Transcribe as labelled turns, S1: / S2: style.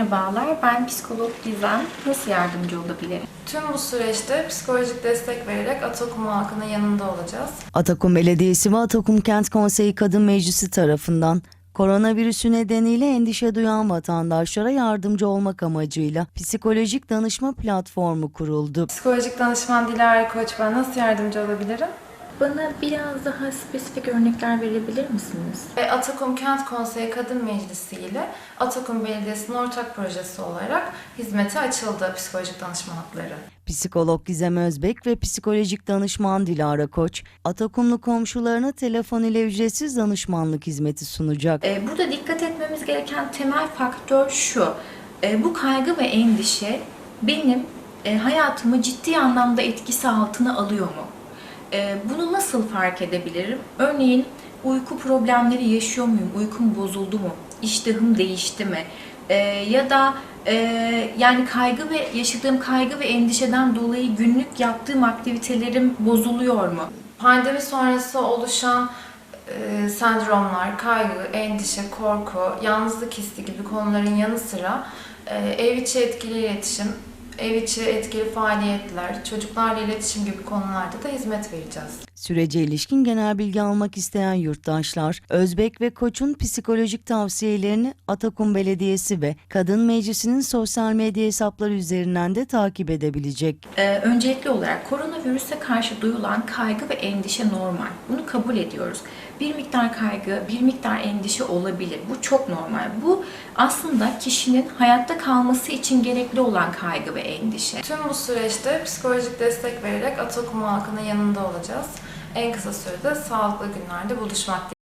S1: Merhabalar, ben psikolog Gizem. Nasıl yardımcı olabilirim?
S2: Tüm bu süreçte psikolojik destek vererek Atakum halkının yanında olacağız.
S3: Atakum Belediyesi ve Atakum Kent Konseyi Kadın Meclisi tarafından koronavirüsü nedeniyle endişe duyan vatandaşlara yardımcı olmak amacıyla psikolojik danışma platformu kuruldu.
S2: Psikolojik danışman Dilara Koç, ben nasıl yardımcı olabilirim?
S1: Bana biraz daha spesifik örnekler verebilir misiniz?
S2: Atakum Kent Konseyi Kadın Meclisi ile Atakum Belediyesi'nin ortak projesi olarak hizmete açıldı psikolojik danışman hakları.
S3: Psikolog Gizem Özbek ve psikolojik danışman Dilara Koç, Atakumlu komşularına telefon ile ücretsiz danışmanlık hizmeti sunacak.
S1: Burada dikkat etmemiz gereken temel faktör şu. Bu kaygı ve endişe benim hayatımı ciddi anlamda etkisi altına alıyor mu? Bunu nasıl fark edebilirim? Örneğin uyku problemleri yaşıyor muyum? Uykum bozuldu mu? İştahım değişti mi? Ya da yani yaşadığım kaygı ve endişeden dolayı günlük yaptığım aktivitelerim bozuluyor mu?
S2: Pandemi sonrası oluşan sendromlar, kaygı, endişe, korku, yalnızlık hissi gibi konuların yanı sıra ev içi etkili iletişim, ev içi etkili faaliyetler, çocuklarla iletişim gibi konularda da hizmet vereceğiz.
S3: Sürece ilişkin genel bilgi almak isteyen yurttaşlar, Özbek ve Koç'un psikolojik tavsiyelerini Atakum Belediyesi ve Kadın Meclisi'nin sosyal medya hesapları üzerinden de takip edebilecek.
S1: Öncelikli olarak koronavirüse karşı duyulan kaygı ve endişe normal. Bunu kabul ediyoruz. Bir miktar kaygı, bir miktar endişe olabilir. Bu çok normal. Bu aslında kişinin hayatta kalması için gerekli olan kaygı ve endişe.
S2: Tüm bu süreçte psikolojik destek vererek Atakum halkının yanında olacağız. En kısa sürede sağlıklı günlerde buluşmak dileğiyle.